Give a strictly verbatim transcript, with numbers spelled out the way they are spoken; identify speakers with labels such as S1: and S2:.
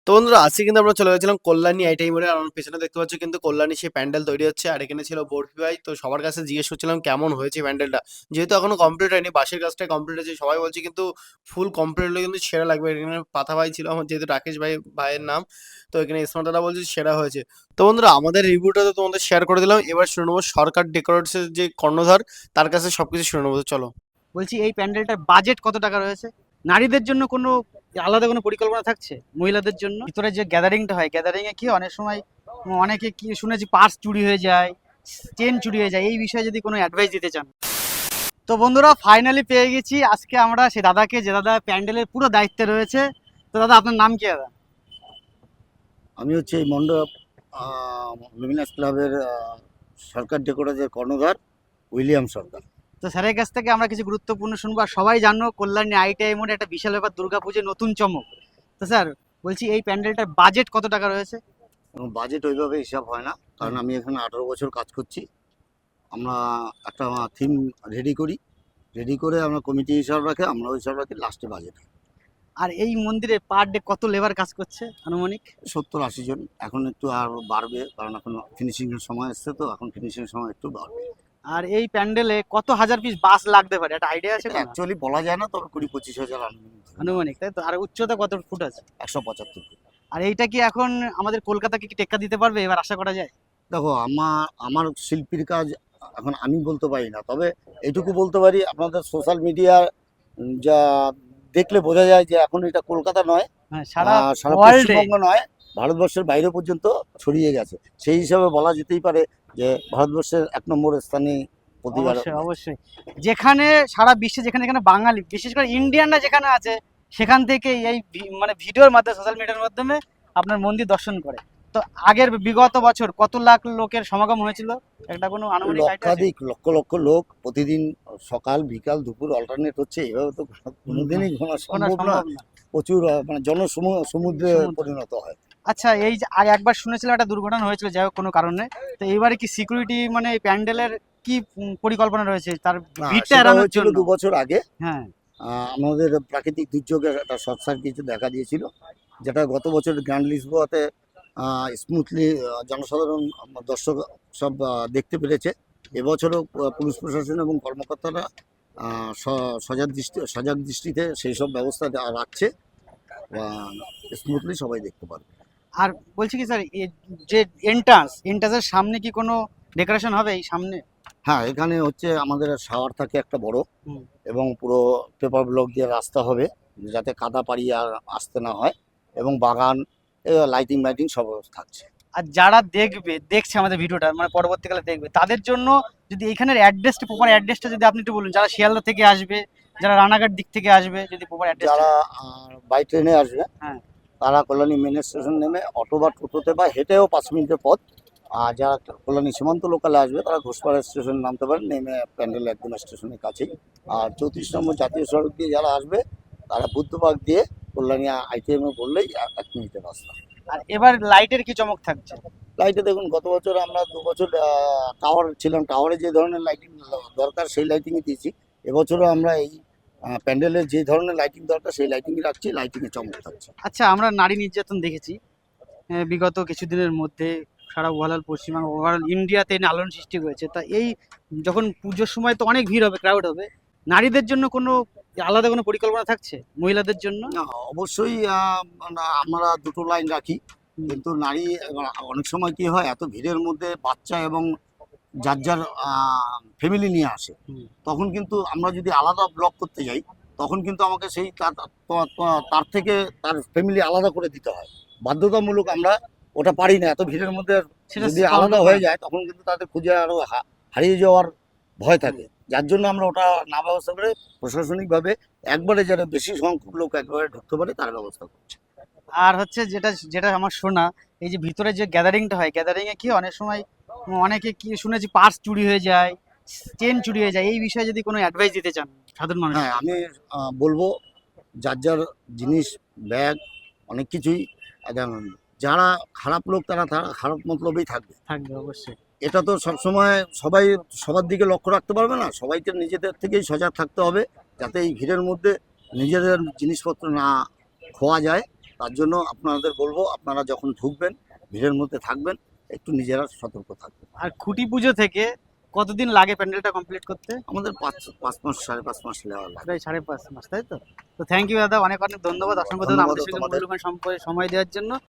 S1: তো বন্ধুরা আজকে কিন্তু আমরা চলে গেছিলাম কল্যাণী আইটিআই মোড়ে। আমার পেছনে দেখতে পাচ্ছ কিন্তু কল্যাণী সেই প্যান্ডেল তৈরি হচ্ছে, আর এখানে ছিল বরফি ভাই। তো সবার কাছে জিজ্ঞেস করছিলাম কেমন হয়েছে প্যান্ডেলটা, যেহেতু এখনো কমপ্লিট হয়নি, বাসের কাজটাই কমপ্লিট হয়েছে। সবাই বলছে কিন্তু ফুল কমপ্লিট হলে কিন্তু সেরা লাগবে। এখানে পাথা ভাই ছিল আমার, যেহেতু রাকেশ ভাই ভাইয়ের নাম। তো এখানে স্মার্ট দাদা বলছে সেরা হয়েছে। তো বন্ধুরা আমাদের রিভিউটা তো তোমাদের শেয়ার করে দিলাম, এবার শুনে নেবো সরকার ডেকোরেটসের যে কর্ণধার, তার কাছে সবকিছু শুনে নেবো। তো চলো।
S2: বলছি এই প্যান্ডেলটার বাজেট কত টাকা রয়েছে? নারীদের জন্য কোনো আলাদা কোনো পরিকল্পনা থাকছে? মহিলাদের জন্য ভিতরে যে গ্যাদারিংটা হয়, গ্যাদারিং এ কি অনেক সময় অনেকে কি শুনেছি পার্স চুরি হয়ে যায়, চেন চুরি হয়ে যায়, এই বিষয়ে যদি কোনো অ্যাডভাইস দিতে চান। তো বন্ধুরা ফাইনালি পেয়ে গেছি আজকে আমরা সেই দাদাকে, যে দাদা প্যান্ডেলের পুরো দায়িত্বে রয়েছে। তো দাদা আপনার নাম কি দাদা?
S3: আমি হচ্ছে এই মণ্ডপ লুমিনাস ক্লাবের আহ, সরকার ডেকোরেটরের কর্ণধার উইলিয়াম সরকার।
S2: তো স্যারের কাছ থেকে আমরা কিছু গুরুত্বপূর্ণ শুনবো। আর সবাই জানো কল্যাণী আইটিআই মোড়ে একটা বিশাল ব্যাপার দুর্গাপুজোর নতুন চমক। তো স্যার বলছি এই প্যান্ডেলটার বাজেট কত টাকা রয়েছে?
S3: এবং বাজেট ওইভাবে হিসাব হয় না, কারণ আমি এখানে আঠারো বছর কাজ করছি। আমরা একটা থিম রেডি করি, রেডি করে আমরা কমিটি হিসাব রাখে, আমরা হিসাব রাখি, লাস্টে বাজেট হয়।
S2: আর এই মন্দিরে পার ডে কত লেবার কাজ করছে আনুমানিক?
S3: সত্তর আশি জন। এখন একটু আর বাড়বে, কারণ এখন ফিনিশিংয়ের সময় এসছে, তো এখন ফিনিশিংয়ের সময় একটু বাড়বে।
S2: আর এই প্যান্ডেলে কত হাজার পিস বাস লাগতে পারে, একটা আইডিয়া আছে কোনো?
S3: অ্যাকচুয়ালি বলা যায় না, তবে কুড়ি পঁচিশ হাজার আনুমানিক।
S2: আনুমানিক, তাই তো? আর উচ্চতা কত ফুট আছে?
S3: একশো পঁচাত্তর।
S2: আর এইটা কি এখন আমাদের কলকাতাকে কি টেক্কা দিতে পারবে এবার আশা করা যায়?
S3: দেখো, আমার আমার শিল্পীর কাজ এখন আমি বলতে পারি না, তবে এইটুকু বলতে পারি, আপনাদের সোশ্যাল মিডিয়া যা দেখলে বোঝা যায় যে এখন এটা কলকাতা নয়,
S2: হ্যাঁ, সারা
S3: আহ, সারা
S2: ওয়ার্ল্ডে।
S3: পশ্চিমবঙ্গ নয়, ভারতবর্ষের বাইরে পর্যন্ত ছড়িয়ে গেছে। সেই হিসাবে বলা যেতেই পারে যে ভারতবর্ষের এক নম্বর স্থানে প্রতিবার।
S2: অবশ্যই অবশ্যই, যেখানে সারা বিশ্বে যেখানে যেখানে বাঙালি, বিশেষ করে ইন্ডিয়ানরা যেখানে আছে, সেখান থেকে এই ভি- মানে ভিডিওর মাধ্যমে, সোশ্যাল মিডিয়ার মাধ্যমে আপনার মন্দির দর্শন করে। তো আগের বিগত বছর কত লাখ লোকের সমাগম হয়েছিল, একটা কোনো আনুমানিক আইডিয়া আছে?
S3: লক্ষাধিক, লক্ষ লক্ষ লোক প্রতিদিন, সকাল বিকাল দুপুর অল্টারনেট হচ্ছে, এভাবে তো কোনোদিনই ঘোরা
S2: কোনো
S3: সম্ভব
S2: সম্ভব
S3: না।
S2: না।
S3: প্রচুর আহ, মানে জনসমুদ্রে সমুদ্রে
S2: সমুদ্র।
S3: পরিণত হয়।
S2: আচ্ছা, এই যে আগে একবার শুনেছিলাম একটা দুর্ঘটনা হয়েছিল, যাই হোক কোনো কারণে। তো এইবারে কি সিকিউরিটি মানে এই প্যান্ডেলের কি উম, পরিকল্পনা রয়েছে তার
S3: না,
S2: ভিড়টা
S3: সেটা
S2: এড়ানোর
S3: হয়েছিল
S2: জন্য?
S3: দু বছর আগে।
S2: হ্যাঁ।
S3: আহ, আমাদের প্রাকৃতিক দুর্যোগে একটা শর্ট সার্কিট দেখা দিয়েছিল, যেটা গত বছর গ্র্যান্ড লিসবোয়াতে স্মুথলি জনসাধারণ, আহ, দর্শক সব আহ, দেখতে পেরেছে। এবছরও আহ, পুলিশ প্রশাসন এবং কর্মকর্তারা আহ, স- সজাগ দৃষ্টি সজাগ দৃষ্টিতে সেই সব ব্যবস্থা যা রাখছে, স্মুথলি সবাই দেখতে পারবে।
S2: আর বলছি কি স্যার, যে এন্ট্রান্স এন্ট্রান্সের সামনে কি কোনো ডেকোরেশন হবে এই সামনে?
S3: হ্যাঁ, এখানে হচ্ছে আমাদের শাওয়ার থাকে একটা বড়,
S2: হুম।
S3: এবং পুরো পেপার ব্লক দিয়ে রাস্তা হবে, যাতে কাদা পাড়ি আর আসতে না হয়, এবং বাগান, লাইটিং লাইটিং সব থাকছে।
S2: আর যারা দেখবে, দেখছে আমাদের ভিডিওটা, মানে পরবর্তীকালে দেখবে, তাদের জন্য যদি এখানের অ্যাড্রেসটা, প্রপার অ্যাড্রেসটা যদি আপনি একটু বলুন, যারা শিয়ালদা থেকে আসবে, যারা রানাঘাট দিক থেকে আসবে, যদি প্রপার অ্যাড্রেসটা।
S3: যারা বাই ট্রেনে আসবে,
S2: হ্যাঁ।
S3: তারা কল্যাণী মেন স্টেশন নেমে অটো বা টোটোতে বা হেঁটেও পাঁচ মিনিটের পথ। আর যারা কল্যাণী সীমান্ত লোকালে আসবে, তারা ঘোষপাড়া স্টেশনে নামতে পারেন, নেমে প্যান্ডেল একদম স্টেশনের কাছেই। আর চৌত্রিশ নম্বর জাতীয় সড়ক দিয়ে যারা আসবে, তারা বুদ্ধবাগ দিয়ে কল্যাণী আইটিএমে বললেই এক এক মিনিটের রাস্তা।
S2: আর এবার লাইটের কি চমক থাকছে?
S3: লাইটে দেখুন, গত বছর আমরা দু বছর টাওয়ার ছিলাম, টাওয়ারে যে ধরনের লাইটিং দরকার সেই লাইটিংই দিয়েছি। এবছরও আমরা এই প্যান্ডেলের যে ধরনের লাইটিং দরকার সেই লাইটিংই রাখছি, লাইটিংয়ে চমক থাকছে।
S2: আচ্ছা, আমরা নারী নির্যাতন দেখেছি আহ, বিগত কিছুদিনের মধ্যে সারা ওভারঅল পশ্চিমবঙ্গ, ওভারঅল ইন্ডিয়াতে এই নিয়ে আলোড়ন সৃষ্টি হয়েছে। তা এই যখন পুজোর সময় তো অনেক ভিড় হবে, ক্রাউড হবে, নারীদের জন্য কোনো আলাদা কোনো পরিকল্পনা থাকছে মহিলাদের জন্য?
S3: না, অবশ্যই আহ, না, আমরা দুটো লাইন রাখি,
S2: হুম।
S3: কিন্তু নারী এবার অনেক সময় কি হয়, এত ভিড়ের মধ্যে বাচ্চা এবং যার যার ফ্যামিলি নিয়ে আসে,
S2: হুম।
S3: তখন কিন্তু আমরা যদি আলাদা ব্লক করতে যাই, তখন কিন্তু আমাকে সেই তার তার- তার থেকে তার ফ্যামিলি আলাদা করে দিতে হয়, বাধ্যতামূলক। আমরা ওটা পারি না, এত ভিড়ের মধ্যে
S2: সেটা
S3: যদি
S2: সম্ভব
S3: আলাদা
S2: না।
S3: হয়ে যায়, তখন কিন্তু তাদের খুঁজে আরো হা- হারিয়ে যাওয়ার ভয় থাকে। যার জন্য আমরা ওটা না ব্যবস্থা করে প্রশাসনিকভাবে একবারে যারা বেশি সংখ্যক লোক একবারে ঢুকতে পারে তার ব্যবস্থা করছে।
S2: আর হচ্ছে যেটা যেটা আমার শোনা, এই যে ভিতরে যে গ্যাদারিংটা হয়, গ্যাদারিং এ কি অনেক সময় অনেকে কি শুনেছি পার্স চুরি হয়ে যায়, চেন চুরি হয়ে যায়, এই বিষয়ে যদি কোনো অ্যাডভাইস দিতে চান সাধারণ মানুষ।
S3: হ্যাঁ, আমি আহ, বলবো, যার যার জিনিস, ব্যাগ, অনেক কিছুই, একদম যারা খারাপ লোক তারা তারা খারাপ মতলবেই থাকবে।
S2: থাকবে অবশ্যই।
S3: এটা তো সবসময় সবাই সবার দিকে লক্ষ্য রাখতে পারবে না, সবাইকে নিজেদের থেকেই সজাগ থাকতে হবে, যাতে এই ভিড়ের মধ্যে নিজেদের জিনিসপত্র না খোয়া যায়। তার জন্য আপনাদের বলবো, আপনারা যখন ঢুকবেন ভিড়ের মধ্যে থাকবেন, একটু নিজেরা সতর্ক থাকবেন।
S2: আর খুঁটি পুজো থেকে কতদিন লাগে প্যান্ডেলটা কমপ্লিট করতে?
S3: আমাদের পাঁচ পাঁচ মাস সাড়ে পাঁচ মাস লেওয়া লাগে।
S2: প্রায় সাড়ে পাঁচ মাস, তাই তো? তো থ্যাংক ইউ দাদা, অনেক অনেক ধন্যবাদ, অসংখ্য ধন্যবাদ
S3: ধন্যবাদ
S2: আমাদের সঙ্গে
S3: তোমাদের।
S2: মূল্যবান সম্পর্কে সময় দেওয়ার জন্য।